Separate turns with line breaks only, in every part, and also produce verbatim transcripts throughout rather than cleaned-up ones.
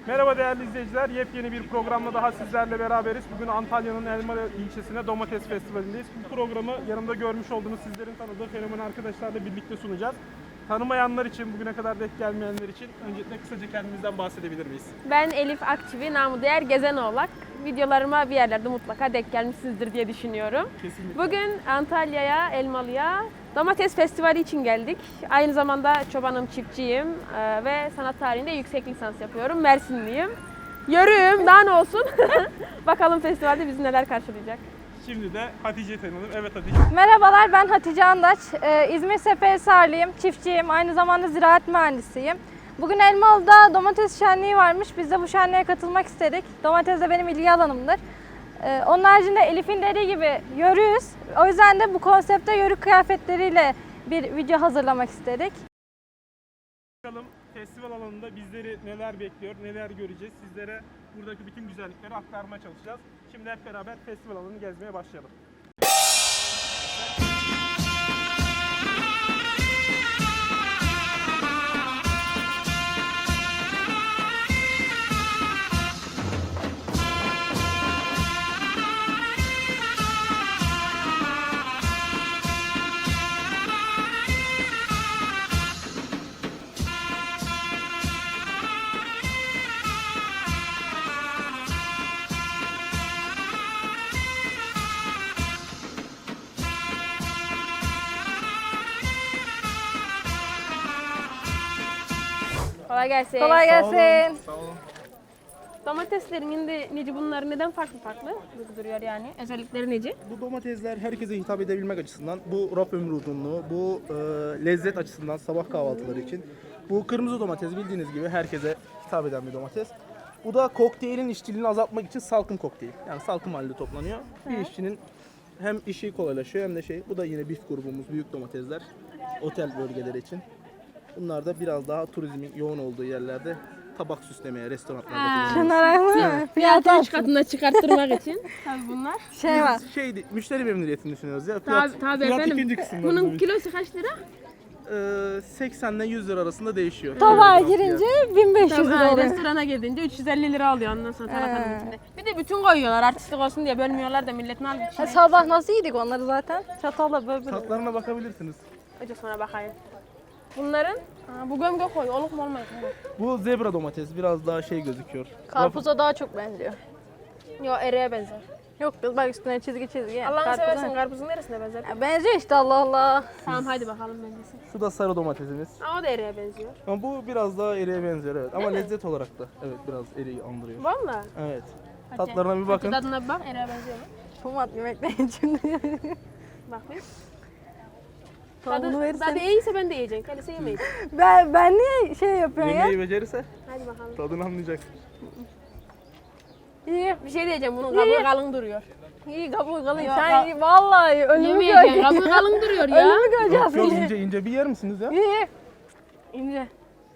Merhaba değerli izleyiciler, yepyeni bir programla daha sizlerle beraberiz. Bugün Antalya'nın Elmalı ilçesine Domates Festivali'ndeyiz. Bu programı yanımda görmüş olduğunuz sizlerin tanıdığı fenomen arkadaşlarla birlikte sunacağız. Tanımayanlar için, bugüne kadar denk gelmeyenler için öncelikle kısaca kendimizden bahsedebilir miyiz?
Ben Elif Akçivi, namı değer Gezenoğlak. Videolarıma bir yerlerde mutlaka denk gelmişsinizdir diye düşünüyorum.
Kesinlikle.
Bugün Antalya'ya, Elmalı'ya Domates Festivali için geldik. Aynı zamanda çobanım, çiftçiyim ee, ve sanat tarihinde yüksek lisans yapıyorum. Mersinliyim. Yörüğüm, daha ne olsun. Bakalım festivalde bizi neler karşılayacak.
Şimdi de Hatice'yi tanıyalım. Evet Hatice.
Merhabalar, ben Hatice Andaç. Ee, İzmir Seferihisarlıyım, çiftçiyim, aynı zamanda ziraat mühendisiyim. Bugün Elmalı'da domates şenliği varmış. Biz de bu şenliğe katılmak istedik. Domates de benim ilgi alanımdır. Ee, onun haricinde Elif'in dediği gibi yörüyüz. O yüzden de bu konsepte yörük kıyafetleriyle bir video hazırlamak istedik.
Bakalım festival alanında bizleri neler bekliyor, neler göreceğiz. Sizlere buradaki bütün güzellikleri aktarmaya çalışacağız. Şimdi hep beraber festival alanını gezmeye başlayalım.
Kolay gelsin.
Kolay gelsin.
Sağ olun.
Domateslerin şimdi neci bunlar neden farklı farklı duruyor yani? Özellikleri neci?
Bu domatesler herkese hitap edebilmek açısından, bu raf ömrü uzunluğu, bu e, lezzet açısından sabah kahvaltıları için. Bu kırmızı domates bildiğiniz gibi herkese hitap eden bir domates. Bu da kokteylin işçiliğini azaltmak için salkım kokteyl. Yani salkım halinde toplanıyor. Bir işçinin hem işi kolaylaşıyor hem de şey. Bu da yine bif grubumuz, büyük domatesler. Otel bölgeleri için. Bunlar da biraz daha turizmin yoğun olduğu yerlerde tabak süslemeye, restoranlarda kullanılıyor.
Şunlara mı?
Fiyatı üç katına çıkarttırmak için. Tabii bunlar.
Şey var.
Şey, müşteri memnuniyetini düşünüyoruz ya. Fiyat,
Tabii, tabii
fiyat
efendim.
ikinci kısımda.
Bunun
bizim.
kilosu kaç lira?
Ee, seksen ile yüz lira arasında değişiyor.
Tabağa
Evet,
girince bin beş yüz
Tabii,
lira
ha,
oluyor.
restorana gidince üç yüz elli lira alıyor ondan sonra salatanın
He.
içinde. Bir de bütün koyuyorlar artistlik olsun diye bölmüyorlar da milletin al bir
Ha,
şey.
sabah nasıl yedik onları zaten? Çatalla böyle böyle.
Tatlarına bakabilirsiniz.
Önce sonra bakayım. Bunların ha, bu gömgö koy oluk mu olmayız mı?
Bu zebra domates biraz daha şey gözüküyor.
Karpuza daha çok benziyor.
Yok ereğe benzer.
Yok kız bak üstüne çizgi çizgi.
Allah'ını
Karpuza-
seversen karpuzun neresine benzer?
Ya benziyor işte Allah Allah.
Tamam hadi bakalım benzesin.
Şu da sarı domatesimiz.
Aa, o da ereğe benziyor.
Ama bu biraz daha eriğe benziyor evet. Ama
mi?
lezzet olarak da evet biraz eriği andırıyor.
Valla.
Evet.
Hadi.
Tatlarına bir bakın.
Hadi tadına bir bak ereğe benziyor mu?
Tomat yemekleyin şimdi.
Bak bir.
Tadını
Tadı,
verirsen.
tadı iyiyse ben de yiyeceğim. Kendisi yemeyiz.
Ben, ben niye şey yapıyorum ya?
Yemeği becerirse
Hadi bakalım.
tadını anlayacak.
İyi,
Bir şey diyeceğim bunun kabuğu kalın duruyor.
iyi kabuğu kalın.
Yok,
Sen
ka-
vallahi ölümü
Yemeyeceğim
göreceğim.
kabuğu kalın duruyor ya.
Ölümü göreceğiz.
Yok yok ince ince bir yer misiniz ya?
İyi. İnce.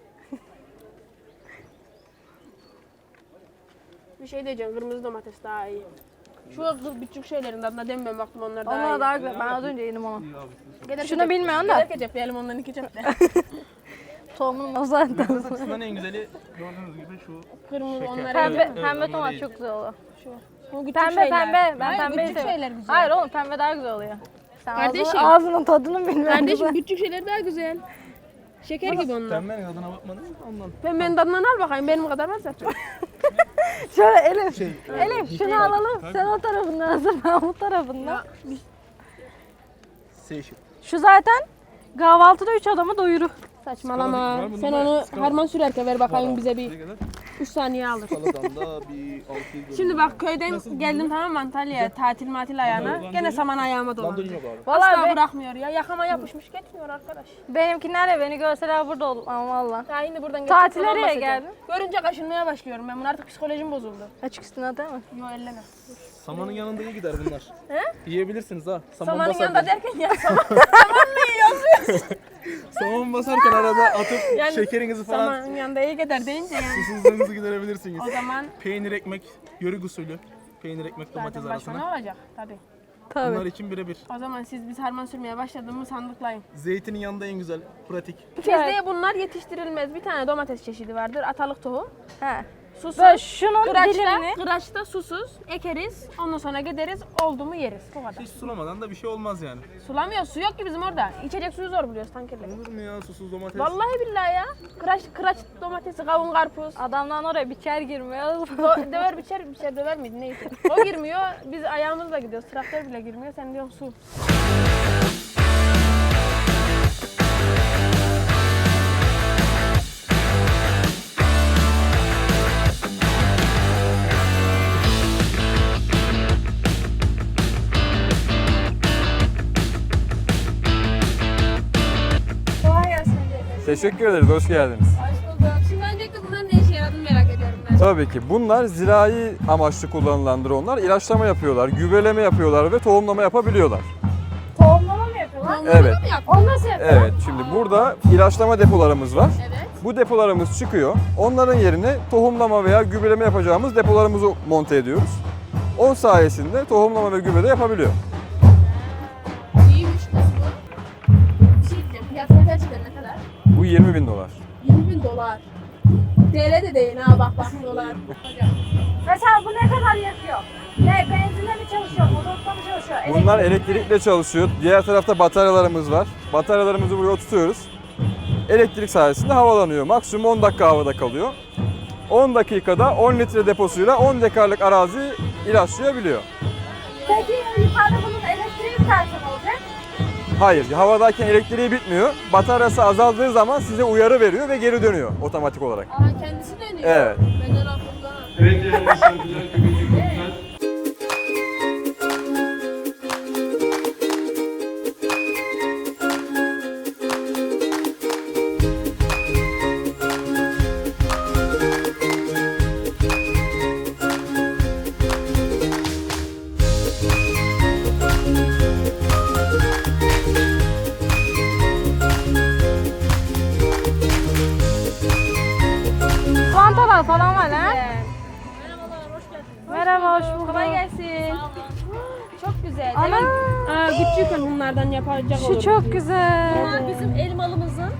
Bir şey diyeceğim kırmızı domates daha iyi. Şu kız küçük şeylerin tadına demiyorum baktım onlar daha
Onlar
iyi.
daha güzel. Ben az önce yedim onu.
Gider
Şunu
kecep-
bilmiyorsun da.
Gider kecep ondan iki cepte.
Tohumun o zaten.
Lezzet açısından en güzeli gördüğünüz gibi şu
Kırmızı
Şeker.
onlara
Pembe,
Evet, evet,
pembe
onlar
tomat
iyi.
çok güzel oluyor.
Bu küçük
Pembe
şeyler.
pembe. Ben
Hayır,
pembeyi
küçük
seviyorum.
şeyler güzel.
Hayır oğlum pembe daha güzel oluyor. Sen
Kardeşim.
ağzının, ağzının tadını bilmiyorsun.
Kardeşim küçük şeyler daha güzel. Şeker gibi onlar.
pembenin adına bakmadınız ondan.
Pembenin tadından al bakayım benim kadar var zaten.
Şöyle Elif.
Şey,
Elif şunu alalım. Sen o tarafından hazır ben bu tarafından.
Seyşil.
Şu zaten kahvaltıda üç adamı doyurur.
Saçmalama.
Var bunun
Sen
da
onu
skala.
harman sürerken ver bakayım
Var,
bize
ne
bir
kadar?
üç saniye alır.
Kaladan da bir altı yüz.
Şimdi bak köyden geldim tamam mı Antalya'ya tatil matil ayağına. Gene saman ayağıma
Landolin
dolandı.
yok abi.
Vallahi
Asla
be-
bırakmıyor ya. Yakama yapışmış gitmiyor arkadaş.
benimkilerle beni görseler burada olur ama valla.
Ya şimdi buradan
Tatil
geçip
nereye
basacağım.
geldin?
Görünce kaşınmaya başlıyorum ben. Bunun artık psikolojim bozuldu.
Açık üstüne değil mi?
Yo elleme.
Samanın yanında iyi gider bunlar.
He?
Yiyebilirsiniz ha. Saman
Samanın
basarken.
yanında derken ya saman, samanlı yiyorsun.
Saman basarken arada atıp
Yani
şekerinizi falan
Samanın yanında iyi gider deyince yani.
susuzluğunuzu giderebilirsiniz.
O zaman
Peynir ekmek, yörük usulü. Peynir ekmek domates
zaten başka ne
arasına.
olacak tabii.
Tabii.
Bunlar için birebir.
O zaman siz biz harman sürmeye başladığımı sandıklayın.
Zeytinin yanında en güzel, pratik.
Bizde bunlar yetiştirilmez. Bir tane domates çeşidi vardır. Atalık tohum.
He.
Susuz.
Böyle şunun
Kıraçta,
dilimini.
kıraçta susuz ekeriz. Ondan sonra gideriz. Oldu mu yeriz. Bu kadar.
Hiç sulamadan da bir şey olmaz yani.
Sulamıyor. Su yok ki bizim orada. İçecek suyu zor buluyoruz tankerle.
Olur mu ya susuz domates?
Vallahi billahi ya. Kıraç, kıraç domatesi, kavun, karpuz.
Adamdan oraya biçer girmiyor.
Do- döver biçer, biçer döver miydi neyse. O girmiyor. Biz ayağımızla gidiyoruz. Traktör bile girmiyor. Sen diyorsun su.
Teşekkür ederiz, hoş geldiniz.
Hoş bulduk. Şimdi öncelikle bunların ne işe yaradığını merak ediyorum ben.
Tabii ki bunlar zirai amaçlı kullanılan dronlar. İlaçlama yapıyorlar, gübreleme yapıyorlar ve tohumlama yapabiliyorlar.
Tohumlama mı yapıyorlar?
Evet.
Onu nasıl yapıyor?
Evet, şimdi burada ilaçlama depolarımız var.
Evet.
Bu depolarımız çıkıyor. Onların yerine tohumlama veya gübreleme yapacağımız depolarımızı monte ediyoruz. On sayesinde tohumlama ve gübre de yapabiliyor.
İyiymiş kız bu. Bir şey diyeceğim. Fiyatı kaç lira ne kadar?
Bu yirmi bin dolar.
yirmi bin dolar. T L de değil ha bak bak dolar.
Mesela bu ne kadar yakıyor? Ne benzinle mi çalışıyor? Motorla mı çalışıyor?
Bunlar elektrikle çalışıyor. Diğer tarafta bataryalarımız var. Bataryalarımızı buraya tutuyoruz. Elektrik sayesinde havalanıyor. Maksimum on dakika havada kalıyor. on dakikada on litre deposuyla on dekarlık arazi ilaçlayabiliyor.
Peki yukarıda bunun elektriği biterse ne olacak?
Hayır, havadayken elektriği bitmiyor. Bataryası azaldığı zaman size uyarı veriyor ve geri dönüyor otomatik olarak.
Aa kendisi dönüyor.
Evet.
Benden aklımda.
Evet değerli misafirler, kıymetli konuklar.
Vantalar falan var ha?
Merhabalar, hoş geldiniz.
Merhaba, hoş bulduk.
Kolay gelsin. Çok güzel.
Ana!
Evet. Aa, küçük bunlardan yapacak
Şu
olur.
çok güzel.
Bunlar bizim elmalımızın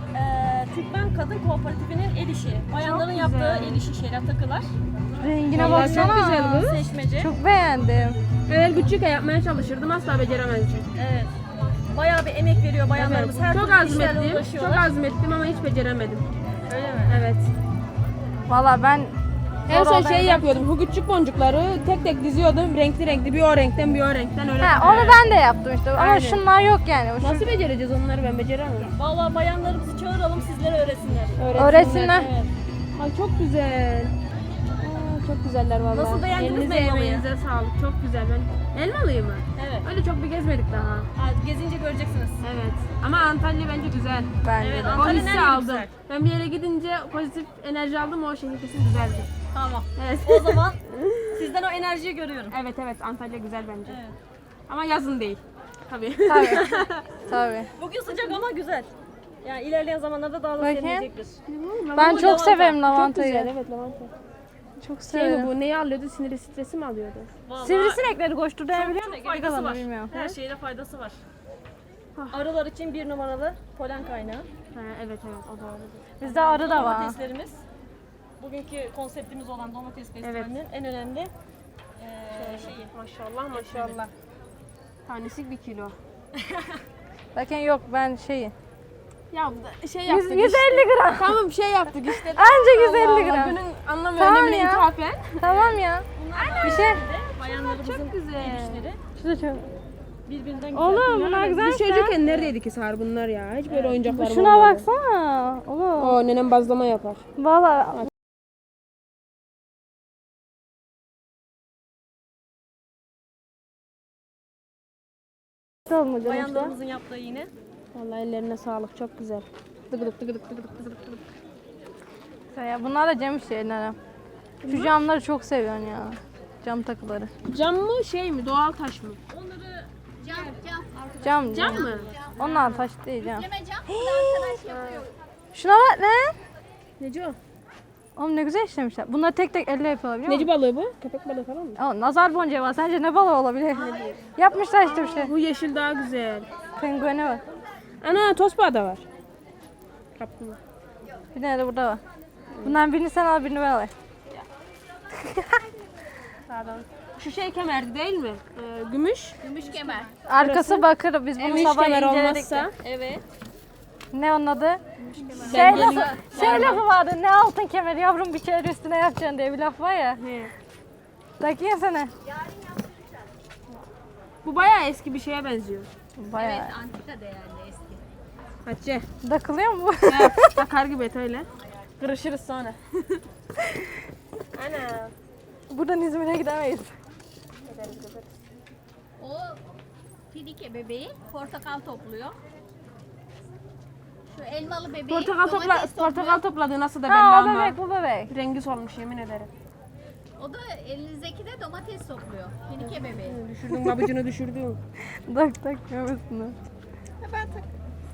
eee Türkmen Kadın Kooperatifinin el işi. Bayanların yaptığı el işi şeyler, takılar.
Rengine
Vallahi çok
baksana.
güzel bu.
Seçmece.
Çok beğendim.
Evet küçük yapmaya çalışırdım asla beceremezdim.
Evet. Bayağı bir emek veriyor bayanlarımız. Her
çok
türlü işlerle
azmettim. Çok
uğraşıyorlar.
azmettim ama hiç beceremedim.
Öyle mi?
Evet.
Valla ben
En son
Zor
şey
oldu,
yapıyordum. Bu küçük boncukları tek tek diziyordum. Renkli renkli bir o renkten bir o renkten öyle.
ha, onu ben de yaptım işte ama
Aynen.
şunlar yok yani. Şu-
Nasıl becereceğiz onları ben beceremem.
Vallahi bayanlarımızı çağıralım, sizlere öğretsinler.
Öğretsinler.
Evet.
Ay çok güzel. Aa, çok güzeller vallahi.
Nasıl, beğendiniz mi
Elinize
elmalıyı?
emeğinize sağlık. Çok güzel. Ben Elmalıyı mı?
Evet.
Öyle çok bir gezmedik daha.
Ha, gezince göreceksiniz.
Evet. Ama Antalya bence güzel.
Bence
Evet,
de.
O
Antalya'nın
hissi
her yeri
aldım.
güzel.
Ben bir yere gidince pozitif enerji aldım. O şehir kesin güzeldi.
Tamam.
Evet.
O zaman sizden o enerjiyi görüyorum.
evet evet Antalya güzel bence.
Evet.
Ama yazın değil. Tabii.
Tabii. Tabii.
Bugün sıcak ama güzel. Yani ilerleyen zamanlarda daha da
Bakayım.
serinleyecektir.
Ben çok
lavanta.
severim
Çok
lavantayı.
güzel evet lavanta.
Çok
Şey mi
severim.
bu neyi alıyordu? Siniri stresi mi alıyordu?
Vallahi
Sivrisinekleri koşturduğunu biliyor
çok
musun?
faydası
Geri
var.
kalanı bilmiyorum.
Her şeyde faydası var.
Ah.
Arılar için bir numaralı polen kaynağı.
Ha, evet evet o doğru.
Bizde arı da var.
Domateslerimiz. Bugünkü konseptimiz olan domates festivalinin en önemli eee şeyi.
Maşallah maşallah. Tanesi bir kilo.
Bakın yok ben şeyi.
Ya bu da şey
yüz
yaptık
yüz
işte.
elli gram.
Tamam şey yaptık işte.
Anca yüz elli
Allah Allah,
gram.
Günün anlam ve
Tamam
önemine
ya.
ithafen.
Tamam ya. Bir şey.
Bayanlarımızın
Çok güzel.
el işleri
Şu da çok.
birbirinden güzel.
Oğlum bunlar güzel.
Biz çocukken neredeydik ki Sar bunlar ya? Hiç böyle oyuncaklar
Şuna baksana. Oğlum.
O nenem bazlama yapar.
Valla. Olmadı.
Bayanlarımızın yaptığı yine.
Vallahi ellerine sağlık çok güzel. Dıgıdık dıgıdık dıgıdık dıgıdık dıgıdık.
Ya bunlar da cam şeyler. Şu camları çok seviyorsun ya. Cam takıları.
Cam mı şey mi doğal taş mı?
Cam.
Cam mı?
Onlar taş değil cam. Şuna bak lan.
Neci o?
Oğlum ne güzel işlemişler. Bunları tek tek elle yapıyorlar biliyor
Neci
musun?
balığı bu? Köpek balığı falan mı?
Aa, nazar boncuğu var. Sence ne balığı olabilir? Yapmışlar işte bir şey.
Bu yeşil daha güzel.
Pengueni var.
Ana tosbağa da var. Kaplumbağa.
Bir tane de burada var. Bundan birini sen al birini ben alayım.
Pardon. Şu şey kemerdi değil mi? Ee, gümüş.
Gümüş kemer.
Arkası bakır. Biz bunu
Gümüş
sabah
kemer
inceledik.
olmazsa.
de.
Evet.
Ne onun adı? Şey
Bence-
lafı, şey lafı vardı. Ne altın kemeri yavrum bir kere üstüne yapacaksın diye bir laf var ya.
He.
Takayım sana.
Bu bayağı eski bir şeye benziyor.
Bayağı.
Evet, antika değerli eski.
Hatice.
Takılıyor mu?
Ya, takar gibi et öyle. Kırışırız sonra. Ana.
Buradan İzmir'e gidemeyiz.
O Filike bebeği portakal topluyor. Şu elmalı bebeği
Portakal topla
domates topluyor.
portakal topladığı nasıl da belli
Ha o
ama.
bebek bu bebek.
Rengi solmuş yemin ederim.
O da elinizdeki de domates topluyor. Filike bebeği.
Düşürdün babacını düşürdün.
Tak tak gömüsünü.
Ben tak.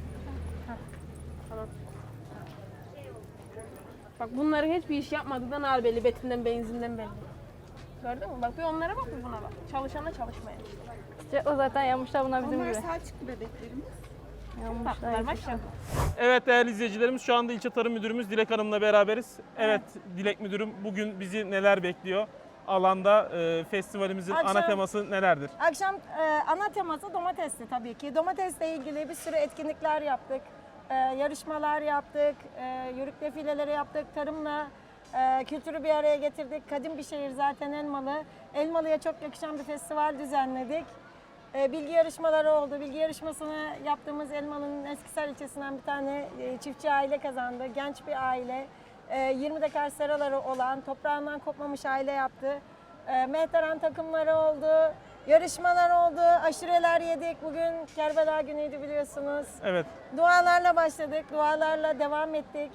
Bak bunların hiçbir iş yapmadığından ağır belli. Betinden benzinden belli. Gördün mü? Bak bir onlara bak bir buna bak. Çalışana çalışmaya.
İşte o zaten yapmışlar buna bizim gibi.
Selçuk bebeklerimiz.
Yapmışlar.
Tatlılar maşallah.
Evet değerli izleyicilerimiz, şu anda İlçe Tarım Müdürümüz Dilek Hanım'la beraberiz. Evet Dilek Müdürüm, bugün bizi neler bekliyor? Alanda e, festivalimizin ana
Akşam-
teması nelerdir?
Akşam e, ana teması domatesti tabii ki. Domatesle ilgili bir sürü etkinlikler yaptık. E, yarışmalar yaptık, e, yörük defileleri yaptık, tarımla e, kültürü bir araya getirdik. Kadim bir şehir zaten Elmalı. Elmalı'ya çok yakışan bir festival düzenledik. E, bilgi yarışmaları oldu. Bilgi yarışmasını yaptığımız Elmalı'nın Eskisar ilçesinden bir tane e, çiftçi aile kazandı. Genç bir aile. E, yirmi dekar seraları olan, toprağından kopmamış aile yaptı. E, Mehteran takımları oldu. Yarışmalar oldu. Aşureler yedik. Bugün Kerbela günüydü biliyorsunuz.
Evet.
Dualarla başladık. Dualarla devam ettik.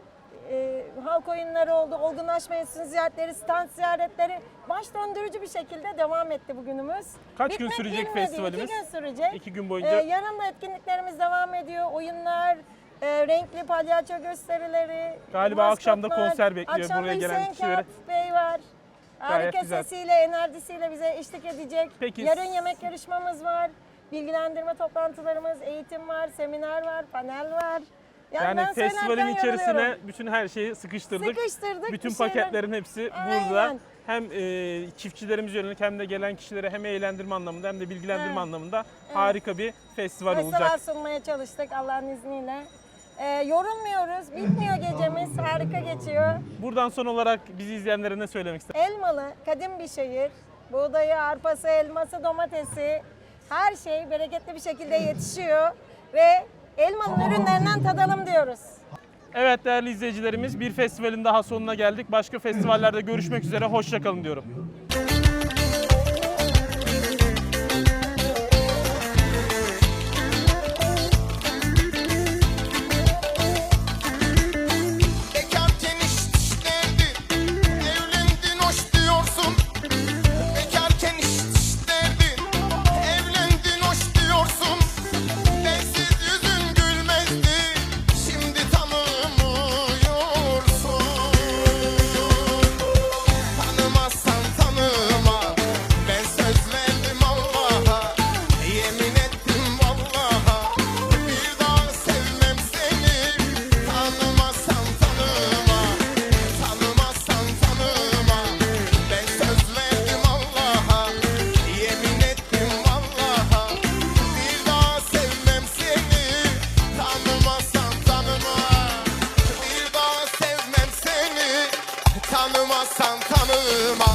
E, halk oyunları oldu. Olgunlaşma enstitüsü ziyaretleri, stand ziyaretleri baş döndürücü bir şekilde devam etti bugünümüz.
Kaç gün
Bitmek
sürecek
bilmedi.
festivalimiz?
İki gün sürecek.
İki gün
Ee,
boyunca.
yarın da etkinliklerimiz devam ediyor. Oyunlar, e, renkli palyaço gösterileri.
Galiba akşam da
maskotlar.
konser bekliyor
Akşam da
buraya gelen
Hüseyin
kişilere.
Kağıt Bey var.
Gayet
Harika
güzel.
sesiyle, enerjisiyle bize eşlik edecek.
Peki.
Yarın yemek yarışmamız var. Bilgilendirme toplantılarımız, eğitim var, seminer var, panel var.
Yani
ben
festivalin
söylerken
içerisine
yoruluyorum.
bütün her şeyi sıkıştırdık.
Sıkıştırdık.
Bütün
bir şeyler-
paketlerin hepsi
Aynen.
burada. Hem e, çiftçilerimiz yönelik hem de gelen kişilere hem eğlendirme anlamında hem de bilgilendirme
Evet.
anlamında harika bir festival
Festival
olacak.
sunmaya çalıştık Allah'ın izniyle. Ee, yorulmuyoruz, bitmiyor gecemiz, harika geçiyor.
Buradan son olarak bizi izleyenlere ne söylemek istersiniz?
Elmalı, kadim bir şehir. Buğdayı, arpası, elması, domatesi, her şey bereketli bir şekilde yetişiyor. Ve Elmalı'nın ürünlerinden tadalım diyoruz.
Evet değerli izleyicilerimiz, bir festivalin daha sonuna geldik. Başka festivallerde görüşmek üzere, hoşça kalın diyorum.
Bekarken iş işlerdin, evlendin hoş diyorsun. Bekarken iş işlerdin, evlendin hoş diyorsun. Bensiz yüzün gülmezdi, şimdi tanımıyorsun. Tanımazsan tanıma, ben söz verdim Allah'a. Yemin ettim vallaha, bir daha sevmem seni. Tanımazsan tanıma, tanımazsan tanıma. Ben söz verdim Allah'a, yemin ettim vallaha. Bir daha sevmem seni. Tanımazsan tanıma, bir daha sevmem seni. Tanımazsan tanıma.